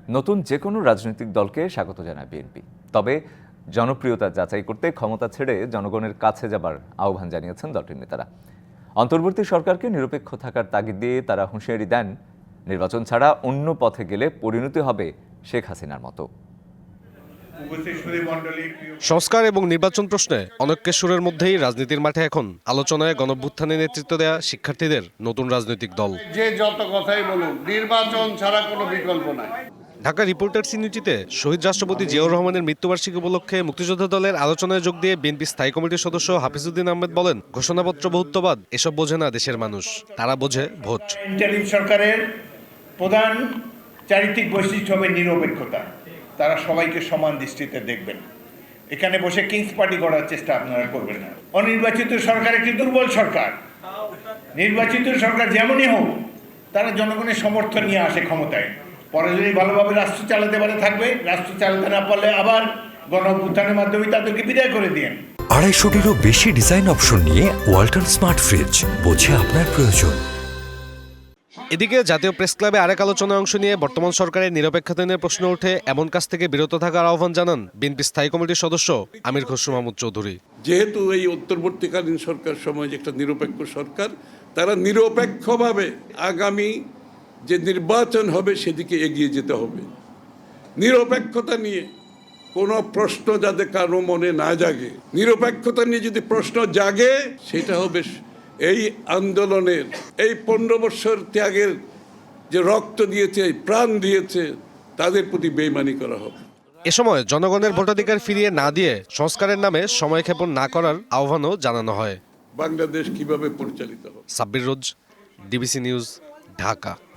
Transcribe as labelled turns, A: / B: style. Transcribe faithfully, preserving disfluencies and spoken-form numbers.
A: নতুন যে কোনো রাজনৈতিক দলকে স্বাগত জানায় বিএনপি, তবে জনপ্রিয়তা যাচাই করতে ক্ষমতা ছেড়ে জনগণের কাছে যাবার আহ্বান জানিয়েছেন দলটির নেতারা। অন্তর্বর্তী সরকারকে নিরপেক্ষ থাকার তাগিদ দিয়ে তারা হুঁশিয়ারি দেন, নির্বাচন ছাড়া অন্য পথে গেলে পরিণতি হবে শেখ হাসিনার মতো।
B: সংস্কার এবং নির্বাচন প্রশ্নে অনৈক্যের সুরের মধ্যেই রাজনীতির মাঠে এখন আলোচনায় গণঅভ্যুত্থানে নেতৃত্ব দেয়া শিক্ষার্থীদের নতুন রাজনৈতিক দল।
C: যে যত কথাই বলুন, নির্বাচন ছাড়া কোনো বিকল্প নাই।
B: ঢাকা রিপোর্টার্স ইউনিটিতে শহীদ রাষ্ট্রপতি জিয়াউর রহমানের মৃত্যুবার্ষিকী উপলক্ষে মুক্তিযোদ্ধা দলের আলোচনায় যোগ দিয়ে বিএনপি স্থায়ী কমিটির সদস্য হাফিজউদ্দিন আহমেদ বলেন, ঘোষণাপত্র বহুত্ববাদ এসব বোঝে না দেশের মানুষ, তারা বোঝে ভোট।
D: ইন্টারিম সরকারের প্রধান চারিত্রিক বৈশিষ্ট্য হবে নিরপেক্ষতা। তারা সবাইকে সমান দৃষ্টিতে দেখবেন। এখানে বসে কিংস পার্টি করার চেষ্টা আপনারা করবেন না। অনির্বাচিত সরকার একটি দুর্বল সরকার। নির্বাচিত সরকার যেমনই হোক, তারা জনগণের সমর্থন নিয়ে আসে ক্ষমতায়। পরে যদি ভালোভাবে রাষ্ট্র চালাতে পারে থাকবে, রাষ্ট্র চালাতে না পারলে আবার গণঅভ্যুত্থানের মাধ্যমে তাদেরকে বিদায় করে দিন।
E: আড়াইশোটিরও বেশি ডিজাইন অপশন নিয়ে ওয়ালটন স্মার্ট ফ্রিজ, বোঝে আপনার প্রয়োজন।
B: এদিকে জাতীয় প্রেস ক্লাবে আরেক আলোচনায় অংশ নিয়ে বর্তমান সরকারের নিরপেক্ষতা নিয়ে প্রশ্ন ওঠে এমন কাজ থেকে বিরত থাকার আহ্বান জানান বিএনপি স্থায়ী কমিটির সদস্য আমির খসরু মাহমুদ চৌধুরী।
F: যেহেতু এই অন্তর্বর্তীকালীন সরকার সময় যে একটা নিরপেক্ষ সরকার, তারা নিরপেক্ষভাবে আগামী যে নির্বাচন হবে সেদিকে এগিয়ে যেতে হবে। নিরপেক্ষতা নিয়ে কোনো প্রশ্ন যাতে কারো মনে না জাগে, নিরপেক্ষতা নিয়ে যদি প্রশ্ন জাগে সেটা হবে এই আন্দোলনের, এই পনেরো বৎসর ত্যাগের যে রক্ত দিয়েছে, প্রাণ দিয়েছে, তাদের প্রতি বেইমানি করা হবে।
B: এ সময় জনগণের ভোটাধিকার ফিরিয়ে না দিয়ে সংস্কারের নামে সময়ক্ষেপণ না করার আহ্বানও জানানো হয়।
F: বাংলাদেশ কিভাবে পরিচালিত হবে।
B: Sabbir Roz, DBC news, Dhaka.